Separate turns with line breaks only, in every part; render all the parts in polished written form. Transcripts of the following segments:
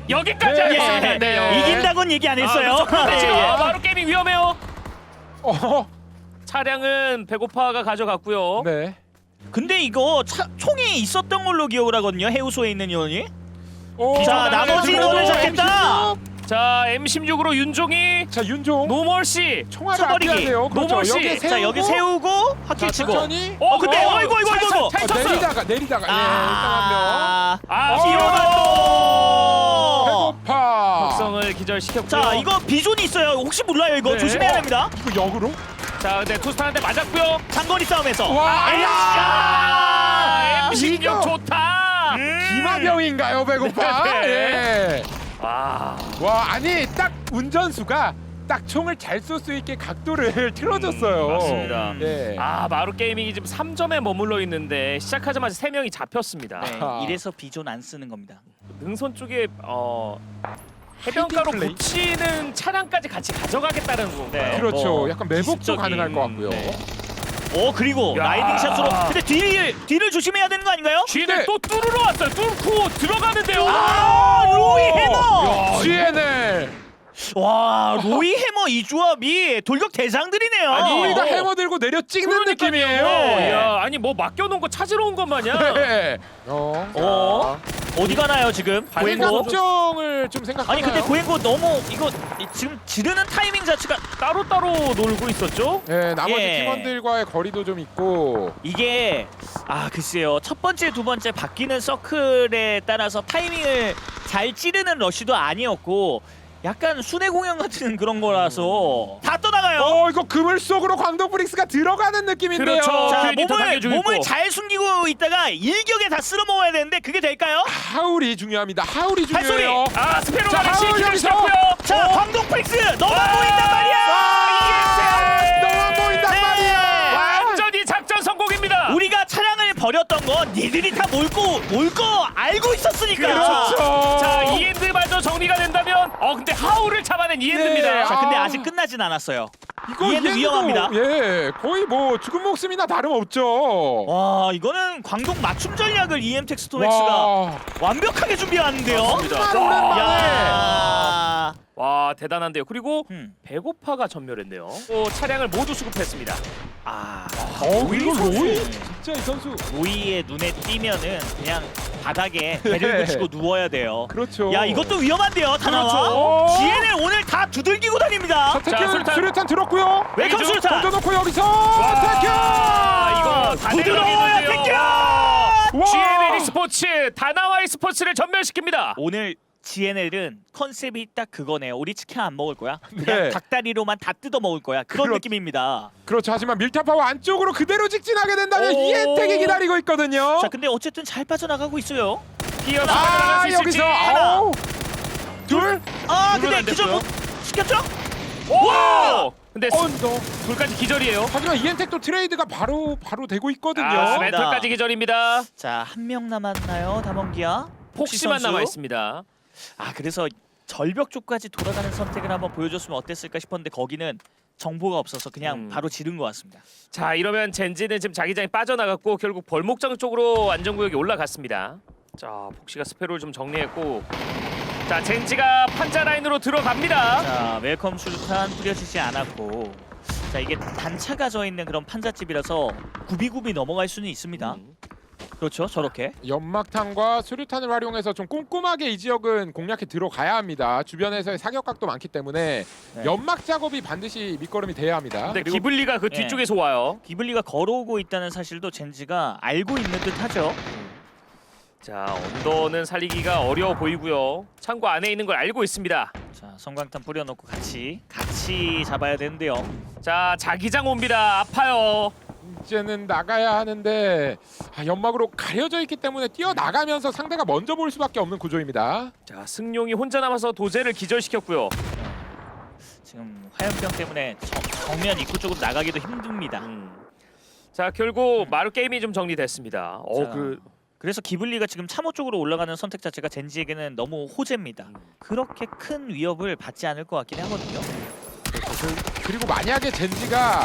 여기까지
네.
하겠습니다. 네.
이긴다고는 얘기 안 했어요.
그런데 지금
예.
마루 게이밍 위험해요.
어,
차량은 배고파가 가져갔고요.
네.
근데 이거 총이 있었던 걸로 기억을 하거든요. 해우소에 있는 인원이.
오,
자, 나머지 인원을 잡겠다.
자, M16으로 윤종이
자, 윤종.
노멀씨.
총알을
쳐버리기.
아껴야 돼요. 그렇죠.
노멀 씨.
여기에 세우고.
자, 여기 세우고
자,
확킬 치고.
천천히.
근데 어이구.
잘 쳤어요.
내리다가. 예, 일단 한 명.
아,
배고파.
적성을 기절시켰고요.
자, 이거 비존이 있어요. 혹시 몰라요. 이거
네.
조심해야 됩니다.
이거 역으로?
자, 근데 투스탄한테 맞았고요.
장거리 싸움에서.
와,
아, M16
이거.
좋다.
기마병인가요, 배고파?
네.
예.
와,
와, 아니 딱 운전수가 딱 총을 잘 쏠 수 있게 각도를 틀어줬어요.
맞습니다.
예.
아, 마루 게이밍이 지금 3점에 머물러 있는데 시작하자마자 3명이 잡혔습니다.
네,
아하.
이래서 비존 안 쓰는 겁니다.
능선 쪽에 해변가로
플레이?
붙이는 차량까지 같이 가져가겠다는 건가요?
네.
그렇죠.
뭐,
약간 매복도
기습적인,
가능할 것 같고요.
네.
그리고
야.
라이딩 샷으로. 근데 뒤를 조심해야 되는 거 아닌가요?
뒤에
네.
또 뚫으러 왔어요. 뚫고 들어가는데요.
로이 해머.
GNL.
와, 로이 해머 이 조합이 돌격 대장들이네요.
아니,
로이가
어.
해머 들고 내려 찍는
그러니까요.
느낌이에요.
야, 아니 뭐 맡겨놓은 거 찾으러 온 것 마냥.
네.
어디 가나요 지금?
고행고?
고행고.
걱정을 좀 생각하나요?
아니 근데 고행고 너무 이거 지금 지르는 타이밍 자체가
따로따로 놀고 있었죠?
네, 나머지
예.
팀원들과의 거리도 좀 있고.
이게 글쎄요, 첫 번째 두 번째 바뀌는 서클에 따라서 타이밍을 잘 찌르는 러쉬도 아니었고 약간 순회 공연 같은 그런 거라서 다 떠나가요.
이거 그물 속으로 광동 브릭스가 들어가는 느낌인데요.
그렇죠.
자,
더 당겨주고
몸을
있고.
잘 숨기고 있다가 일격에 다 쓸어 먹어야 되는데 그게 될까요?
하울이 중요합니다. 하울이
발소리!
중요해요.
아, 스페로가
자,
다시
하울
기절
여기서!
시켰고요.
자, 광동 프릭스 너만 보인단 말이야.
너만 보인단
네.
말이야.
완전히 작전 성공입니다.
우리가 차량을 버렸던 건 니들이 다 몰 거 알고 있었으니까.
그렇죠.
자, 이엔드마저 정리가 된다면 근데 하울을 잡아낸 이엔드입니다.
네.
자, 근데
아.
아직 끝나진 않았어요.
이거
이해는
이해도,
위험합니다.
예, 거의 뭐 죽은 목숨이나 다름없죠.
와, 이거는 광동 맞춤 전략을 EM텍 스토엑스가
와,
완벽하게 준비하는데요.
맞습니다.
정말 오랜만에.
야.
와, 대단한데요. 그리고
음.
배고파가 전멸했네요. 또 차량을 모두 수급했습니다.
이거
선수.
로이 진짜 이 선수.
로이의 눈에 띄면은 그냥 바닥에 배를 붙이고 누워야 돼요.
그렇죠.
야, 이것도 위험한데요, 다나와.
그렇죠.
GNL 오늘 다 두들기고 다닙니다.
자, 태균
수류탄.
수류탄 들었고요.
웰컴
이중
수류탄.
던져놓고 여기서 태균.
이거 다
부드러워요,
내려가겠는데요.
태균.
와.
GNL 스포츠 다나와이 스포츠를 전멸시킵니다.
오늘 GNL은 컨셉이 딱 그거네요. 우리 치킨 안 먹을 거야. 그냥
네.
닭다리로만 다 뜯어 먹을 거야. 그런
그렇-
느낌입니다.
그렇죠. 하지만 밀타파워 안쪽으로 그대로 직진하게 된다면
오.
이엔텍이 기다리고 있거든요.
자, 근데 어쨌든 잘 빠져나가고 있어요.
뛰어서
아,
들어갈 수
여기서
있을지.
아우. 둘.
근데
누르면 안
기절
됐고요.
못 시켰죠?
와! 근데
언더.
둘까지 기절이에요.
하지만 이엔텍도 트레이드가 바로 되고 있거든요.
멘털까지 기절입니다.
자, 한 명 남았나요, 다mon기야?
폭시만
선수?
남아 있습니다.
그래서 절벽 쪽까지 돌아가는 선택을 한번 보여줬으면 어땠을까 싶었는데 거기는 정보가 없어서 그냥 바로 지른 것 같습니다.
자, 이러면 젠지는 지금 자기장이 빠져나갔고 결국 벌목장 쪽으로 안전구역에 올라갔습니다. 자, 폭시가 스페로를 좀 정리했고, 자, 젠지가 판자 라인으로 들어갑니다.
자, 웰컴 수류탄 뿌려지지 않았고, 자, 이게 단차가 져 있는 그런 판잣집이라서 굽이굽이 넘어갈 수는 있습니다. 그렇죠, 저렇게.
연막탄과 수류탄을 활용해서 좀 꼼꼼하게 이 지역은 공략해 들어가야 합니다. 주변에서의 사격각도 많기 때문에
네.
연막 작업이 반드시 밑거름이 돼야 합니다.
근데
그리고-
기블리가 그
네.
뒤쪽에서 와요.
기블리가 걸어오고 있다는 사실도 젠지가 알고 있는 듯하죠.
자, 언더는 살리기가 어려워 보이고요. 창고 안에 있는 걸 알고 있습니다.
자, 성광탄 뿌려놓고 같이 잡아야 되는데요.
자, 자기장 옵니다. 아파요.
이제는 나가야 하는데 연막으로 가려져 있기 때문에 뛰어나가면서 상대가 먼저 볼 수밖에 없는 구조입니다.
자, 승용이 혼자 남아서 도제를 기절시켰고요.
지금 화염병 때문에 정면 입구 쪽으로 나가기도 힘듭니다.
자, 결국 마루 게임이 좀 정리됐습니다.
자, 그래서 기블리가 지금 참호 쪽으로 올라가는 선택 자체가 젠지에게는 너무 호재입니다. 그렇게 큰 위협을 받지 않을 것 같긴 하거든요.
그리고 만약에 젠지가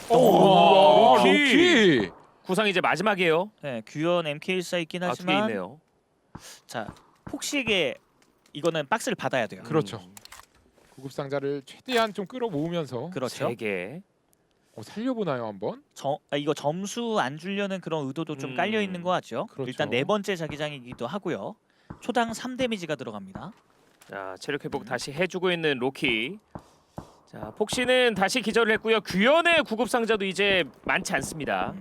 오, 로키.
로키.
구상 이제 마지막이에요.
네, 규현 MK14 있긴
뒤에
하지만
있네요.
자, 폭시에게 이거는 박스를 받아야 돼요.
그렇죠. 구급 상자를 최대한 좀 끌어모으면서
그렇죠.
3개.
살려보나요 한번?
이거 점수 안 주려는 그런 의도도 좀 깔려 있는 것 같죠.
그렇죠.
일단 네 번째 자기장이기도 하고요. 초당 3 데미지가 들어갑니다.
자, 체력 회복 다시 해주고 있는 로키. 자, 폭신은 다시 기절을 했고요. 규현의 구급 상자도 이제 많지 않습니다.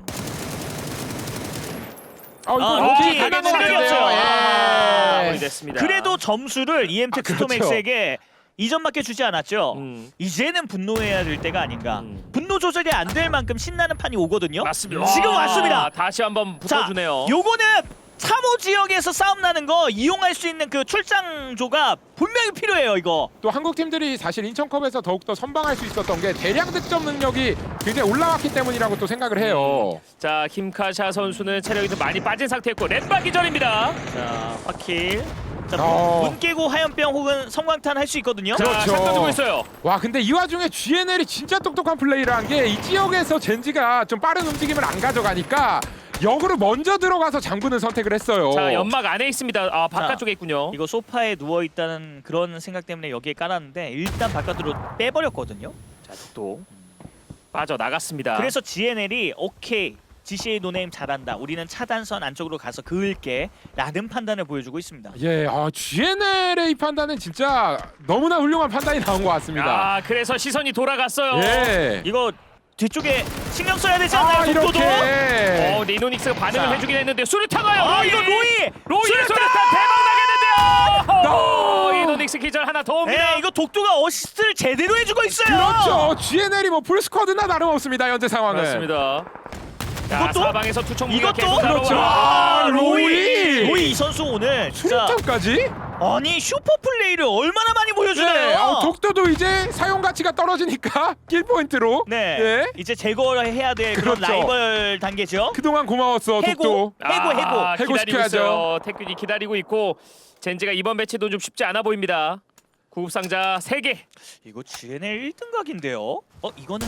이거
로키
로키 가는 것
체력이
같은데요.
없어요.
아,
예.
마무리됐습니다.
그래도 점수를 EMT
그렇죠.
투토맥스에게 2점밖에 주지 않았죠.
음,
이제는 분노해야 될 때가 아닌가.
음.
분노 조절이 안 될 만큼 신나는 판이 오거든요.
맞습니다.
지금
와,
왔습니다.
다시 한번
자,
붙어주네요.
요거는 3호 지역에서 싸움 나는 거 이용할 수 있는 그 출장조가 분명히 필요해요. 이거.
또 한국 팀들이 사실 인천컵에서 더욱더 선방할 수 있었던 게 대량 득점 능력이 굉장히 올라왔기 때문이라고 또 생각을 해요.
자, 김카샤 선수는 체력이 좀 많이 빠진 상태였고 넷바 기절입니다.
자, 화킬. 자,
어.
문 깨고 화염병 혹은 성광탄 할 수 있거든요.
자,
그렇죠.
샷 던지고 있어요.
와 근데 이 와중에 GNL이 진짜 똑똑한 플레이를 한 게 이 지역에서 젠지가 좀 빠른 움직임을 안 가져가니까 역으로 먼저 들어가서 장군을 선택을 했어요.
자, 연막 안에 있습니다. 아, 바깥쪽에 있군요.
이거 소파에 누워 있다는 그런 생각 때문에 여기에 깔았는데 일단 바깥으로 빼버렸거든요.
자, 또 빠져 나갔습니다.
그래서 GNL이 오케이 GCA 노네임 잘한다. 우리는 차단선 안쪽으로 가서 그을게 라는 판단을 보여주고 있습니다.
예, GNL의 이 판단은 진짜 너무나 훌륭한 판단이 나온 것 같습니다.
아, 그래서 시선이 돌아갔어요.
예.
이거 뒤쪽에 신경 써야 되지 않나요? 독도도?
이렇게.
리노닉스가 반응을
자.
해주긴 했는데 수류탄 와요.
아 이거 로이!
수류탄 대박 나겠는데요. 리노닉스 기절 하나 더 옵니다.
네, 이거 독도가 어시스트를 제대로 해주고 있어요.
그렇죠. GNL이 뭐 풀스쿼드나 다름없습니다. 현재 상황은.
맞습니다. 자,
이것도?
사방에서 투척 무기가
이것도?
계속
그렇죠.
날아와.
아, 로이!
로이 이 선수 오늘 진짜
수류탄까지?
아니 슈퍼 플레이를 얼마나 많이 보여주네요.
네. 독도도 이제 사용 가치가 떨어지니까 킬 포인트로.
네,
예.
이제 제거를 해야 될 그런
그렇죠.
라이벌 단계죠.
그동안 고마웠어.
해고,
독도.
해고.
해고
기다리고
시켜야죠.
있어요. 태균이 기다리고 있고 젠지가 이번 매치도 좀 쉽지 않아 보입니다. 구급상자 3개.
이거 GNL 1등 각인데요. 이거는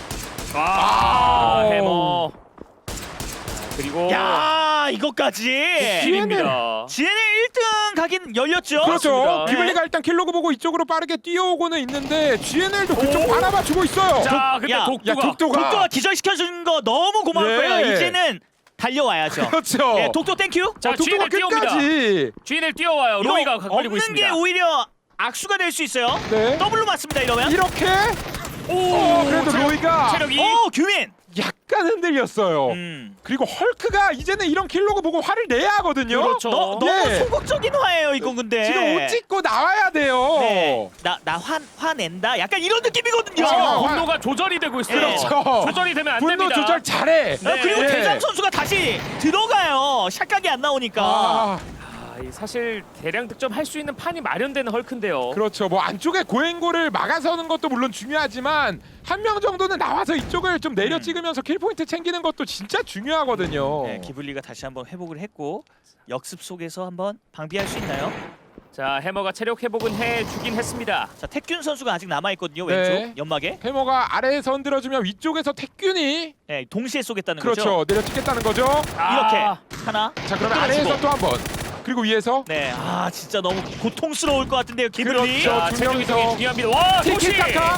해머. 그리고
야 이거까지
킬입니다.
GNL 1등 각인 열렸죠.
그렇죠.
맞습니다.
기블리가 일단 킬로그 보고 이쪽으로 빠르게 뛰어오고는 있는데 GNL도 그쪽 바라봐 주고 있어요.
자, 근데
야,
독두가
독도가 기절시켜준 거 너무 고마울
예.
거예요. 이제는 달려와야죠.
그렇죠.
예, 독도 땡큐.
자,
독도가
GNL 뛰어옵니다.
끝까지.
GNL 뛰어와요.
이거
로이가 걸리고
없는
있습니다.
게 오히려 악수가 될 수 있어요.
네.
더블로 맞습니다 이러면.
이렇게.
오,
그래도 로이가
체력이
규민.
약간 흔들렸어요. 그리고 헐크가 이제는 이런 킬로그 보고 화를 내야 하거든요.
그렇죠.
너무
예.
소극적인 화예요 이건 근데.
지금 옷 찢고 나와야 돼요.
네. 나 화낸다. 약간 이런 느낌이거든요.
아,
지금 분노가 조절이 되고 있어요.
그렇죠.
조절이 되면 안
분노
됩니다.
조절 잘해.
네.
그리고
예.
대장 선수가 다시 들어가요. 샷각이 안 나오니까.
아,
사실 대량 득점 할 수 있는 판이 마련되는 헐크인데요.
그렇죠. 뭐 안쪽에 고행고를 막아서는 것도 물론 중요하지만 한 명 정도는 나와서 이쪽을 좀 내려 찍으면서 킬 포인트 챙기는 것도 진짜 중요하거든요.
네, 기블리가 다시 한번 회복을 했고 역습 속에서 한번 방비할 수 있나요?
자, 해머가 체력 회복은 해주긴 했습니다.
자, 태균 선수가 아직 남아 있거든요.
네.
왼쪽 연막에.
해머가 아래에서 흔들어주면 위쪽에서 태균이
네, 동시에 쏘겠다는
그렇죠.
거죠.
내려 찍겠다는 거죠.
이렇게 하나.
자, 그러면
끊어지고.
아래에서 또 한 번. 그리고 위에서
네, 진짜 너무 고통스러울 것 같은데요, 기블리.
그렇죠.
자,
두
체력
명이서
이동이 중요합니다. 와, 도시!
티키타카.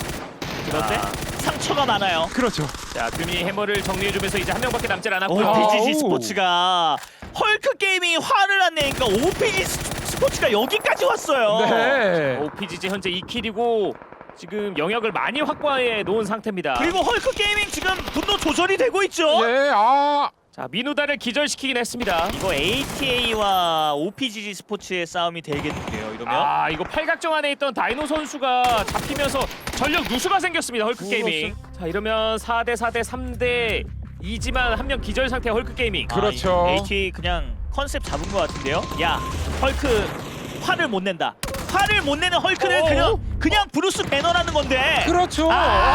그런데 상처가 많아요.
그렇죠.
자, 규민이 해머를 정리해주면서 이제 한 명밖에 남질
오,
않았고요.
PGG
아우.
스포츠가 헐크 게임이 화를 안 내니까 OPG 스포츠가 여기까지 왔어요.
네.
OPGG 현재 2킬이고 지금 영역을 많이 확보해 놓은 상태입니다.
그리고 헐크 게이밍 지금 분노 조절이 되고 있죠.
예,
자, 민우다를 기절시키긴 했습니다.
이거 ATA와 OPGG 스포츠의 싸움이 되겠는데요. 이러면
이거 팔각정 안에 있던 다이노 선수가 잡히면서 전력 누수가 생겼습니다. 헐크 게이밍. 자, 이러면 4대 4대 3대 2지만 한 명 기절 상태 헐크 게이밍.
그렇죠.
ATA 그냥 컨셉 잡은 것 같은데요. 야, 헐크 화를 못 낸다. 화를 못 내는 헐크는 그냥 브루스 배너라는 건데.
그렇죠.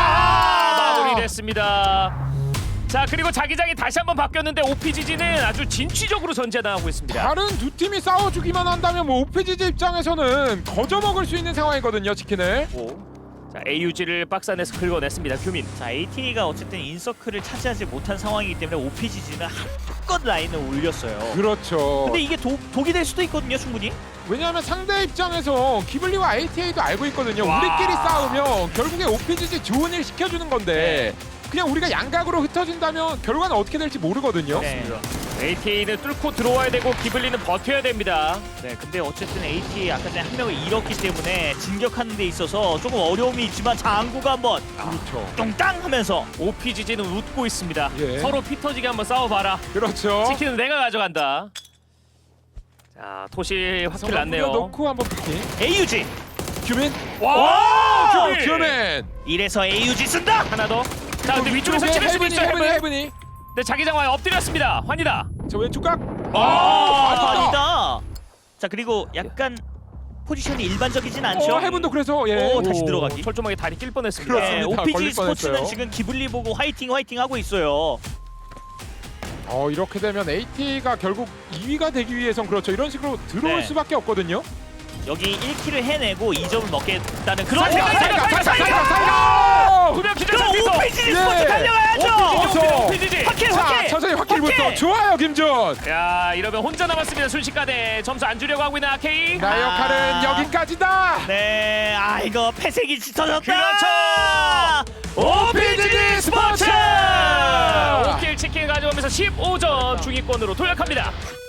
마무리됐습니다. 자, 그리고 자기장이 다시 한번 바뀌었는데 OPGG는 아주 진취적으로 전제당하고 있습니다.
다른 두 팀이 싸워주기만 한다면 뭐 오피지지 입장에서는 거저 먹을 수 있는 상황이거든요, 치킨을.
자, AUG를 박스 안에서 긁어냈습니다. 규민.
자, AT가 어쨌든 인서클을 차지하지 못한 상황이기 때문에 OPGG는 한껏 라인을 올렸어요.
그렇죠.
근데 이게 독이 될 수도 있거든요, 충분히.
왜냐하면 상대 입장에서 기블리와 ATA도 알고 있거든요.
와.
우리끼리 싸우면 결국에 OPGG 좋은 일 시켜주는 건데 그냥 우리가 양각으로 흩어진다면 결과는 어떻게 될지 모르거든요.
네.
ATA는 뚫고 들어와야 되고 기블리는 버텨야 됩니다.
네, 근데 어쨌든 AT 아까 전에 한 명을 잃었기 때문에 진격하는 데 있어서 조금 어려움이 있지만 장구가 한번
그렇죠.
똥땅 하면서
OPGG는 웃고 있습니다.
예.
서로 피 터지게 한번 싸워봐라.
그렇죠.
치킨은 내가 가져간다. 자, 토시 확실 났네요.
놓고 한번 피킹.
AUG
규민.
와, 규민!
규민.
이래서 AUG 쓴다.
하나 더. 자, 근데 위쪽에서 찍을 수도 있어요. 해븐.
해븐이.
근데 자기장 와에 엎드렸습니다. 환이다.
저 왼쪽 각.
아니다. 자, 그리고 약간 포지션이 일반적이진 않죠.
해븐도 그래서 예.
오, 다시 들어가기.
철조망에 다리 낄 뻔했습니다.
그렇습니다.
네, OPG
걸릴
스포츠는
뻔했어요.
지금 기블리 보고 화이팅 하고 있어요.
이렇게 되면 AT가 결국 2위가 되기 위해선 그렇죠. 이런 식으로 들어올
네.
수밖에 없거든요.
여기 1킬을 해내고 2점을 먹겠다는 그런
자,
생각이
살려!
두명 기절
그럼
상태에서
OPG
예.
스포츠 달려가야죠.
OPGG.
확킬
자,
확킬.
천천히 확킬부터.
확킬!
좋아요, 김준.
야, 이러면 혼자 남았습니다. 순식간에 점수 안 주려고 하고 있는 아케이.
나의 역할은 여기까지다.
네, 이거 패색이 짙어졌다.
그렇죠. OPGG 스포츠!
스포츠!
5킬 치킨 가져오면서 15점 중위권으로 도약합니다.